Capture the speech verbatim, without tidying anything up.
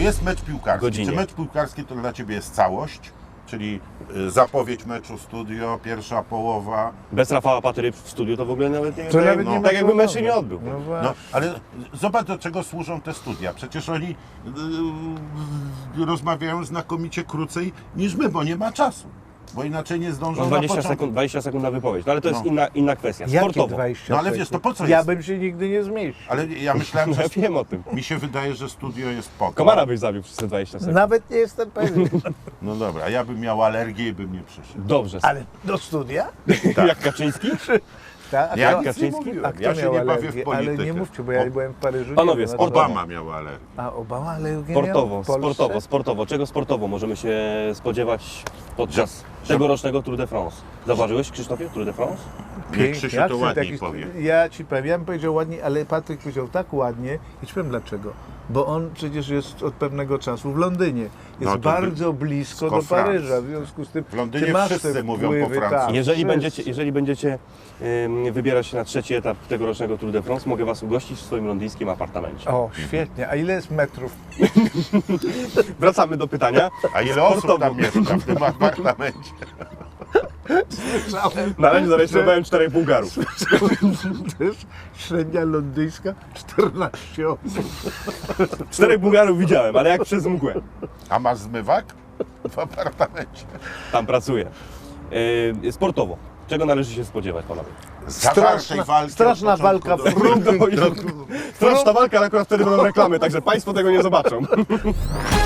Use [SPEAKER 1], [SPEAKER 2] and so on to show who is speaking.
[SPEAKER 1] jest mecz piłkarski.
[SPEAKER 2] godzinie.
[SPEAKER 1] Czy mecz piłkarski to dla Ciebie jest całość? Czyli y, zapowiedź meczu, studio, pierwsza połowa.
[SPEAKER 2] Bez Rafała Patyry w studiu to w ogóle nawet nie
[SPEAKER 3] To nawet
[SPEAKER 1] no,
[SPEAKER 3] nie ma
[SPEAKER 2] tak jakby mecz się
[SPEAKER 3] problemu.
[SPEAKER 2] nie odbył.
[SPEAKER 3] No
[SPEAKER 1] No,
[SPEAKER 3] właśnie.
[SPEAKER 1] ale zobacz, do czego służą te studia. Przecież oni y, rozmawiają znakomicie krócej niż my, bo nie ma czasu. Bo inaczej nie zdążą
[SPEAKER 2] No
[SPEAKER 1] na
[SPEAKER 2] dwadzieścia
[SPEAKER 1] początek.
[SPEAKER 2] sekund, dwadzieścia sekund na wypowiedź, no ale to jest
[SPEAKER 1] No.
[SPEAKER 2] inna, inna kwestia.
[SPEAKER 3] Jakie
[SPEAKER 2] Sportowo.
[SPEAKER 3] dwadzieścia
[SPEAKER 1] No ale wiesz,
[SPEAKER 3] sekund?
[SPEAKER 1] to po co
[SPEAKER 3] Ja
[SPEAKER 1] jest?
[SPEAKER 3] bym się nigdy nie zmieścił.
[SPEAKER 1] Ale ja myślałem,
[SPEAKER 2] No
[SPEAKER 1] że
[SPEAKER 2] ja wiem o tym.
[SPEAKER 1] mi się wydaje, że studio jest po to.
[SPEAKER 2] Komara byś zabił przez te dwadzieścia sekund.
[SPEAKER 3] Nawet nie jestem pewien.
[SPEAKER 1] No dobra, a ja bym miał alergię i bym nie przyszedł.
[SPEAKER 2] Dobrze.
[SPEAKER 3] Ale do studia?
[SPEAKER 2] Jak Kaczyński?
[SPEAKER 3] Tak? A
[SPEAKER 1] Ja
[SPEAKER 3] kto-
[SPEAKER 1] nic nie
[SPEAKER 2] Kaczyński?
[SPEAKER 1] mówiłem.
[SPEAKER 3] A kto
[SPEAKER 1] Ja się
[SPEAKER 3] miał
[SPEAKER 1] nie bawię
[SPEAKER 3] alergię?
[SPEAKER 1] w politykę.
[SPEAKER 3] Ale nie mówcie, bo ja
[SPEAKER 1] O-
[SPEAKER 3] byłem w Paryżu.
[SPEAKER 2] Panowie,
[SPEAKER 3] nie wiem,
[SPEAKER 2] sportowo.
[SPEAKER 1] Obama miał alergię.
[SPEAKER 3] A Obama alergię
[SPEAKER 2] Sportowo,
[SPEAKER 3] miał w Polsce?
[SPEAKER 2] sportowo, sportowo. Czego sportowo możemy się spodziewać podczas
[SPEAKER 1] Że-
[SPEAKER 2] tegorocznego Tour de France? Zauważyłeś, Krzysztofie, Tour de France?
[SPEAKER 1] Nie, Krzysiu
[SPEAKER 3] Jak
[SPEAKER 1] to
[SPEAKER 3] ty
[SPEAKER 1] ładniej
[SPEAKER 3] taki-
[SPEAKER 1] powie.
[SPEAKER 3] Ja ci powiem, ja bym powiedział ładnie, ale Patryk powiedział tak ładnie i ci powiem dlaczego. Bo on przecież jest od pewnego czasu w Londynie. Jest
[SPEAKER 1] No to
[SPEAKER 3] bardzo blisko
[SPEAKER 1] blisko
[SPEAKER 3] do Paryża,
[SPEAKER 1] Francji.
[SPEAKER 3] w związku z tym
[SPEAKER 1] W Londynie
[SPEAKER 3] ty masz
[SPEAKER 1] wszyscy
[SPEAKER 3] te
[SPEAKER 1] mówią po
[SPEAKER 3] wpływy,
[SPEAKER 1] francusku.
[SPEAKER 3] tak,
[SPEAKER 2] Jeżeli
[SPEAKER 3] wszyscy.
[SPEAKER 2] będziecie, jeżeli będziecie ym, wybierać się na trzeci etap tegorocznego Tour de France, mogę Was ugościć w swoim londyńskim apartamencie.
[SPEAKER 3] O, świetnie. A ile jest metrów?
[SPEAKER 2] Wracamy do pytania.
[SPEAKER 1] A ile osób
[SPEAKER 2] Sportowo.
[SPEAKER 1] tam mieszka w tym apartamencie?
[SPEAKER 3] Słyszałem,
[SPEAKER 2] Na razie zarejestrowałem czterech Bułgarów.
[SPEAKER 3] też średnia londyńska czternaście osób.
[SPEAKER 2] Czterech Bułgarów widziałem, ale jak przez mgłę.
[SPEAKER 1] A masz zmywak w apartamencie?
[SPEAKER 2] Tam pracuję. Yy, sportowo. Czego należy się spodziewać, panowie?
[SPEAKER 1] Zażartej walki
[SPEAKER 3] straszna
[SPEAKER 1] od początku
[SPEAKER 3] walka
[SPEAKER 1] do-
[SPEAKER 3] w próg.
[SPEAKER 2] Straszna walka, ale akurat wtedy będą reklamy, także Państwo tego nie zobaczą.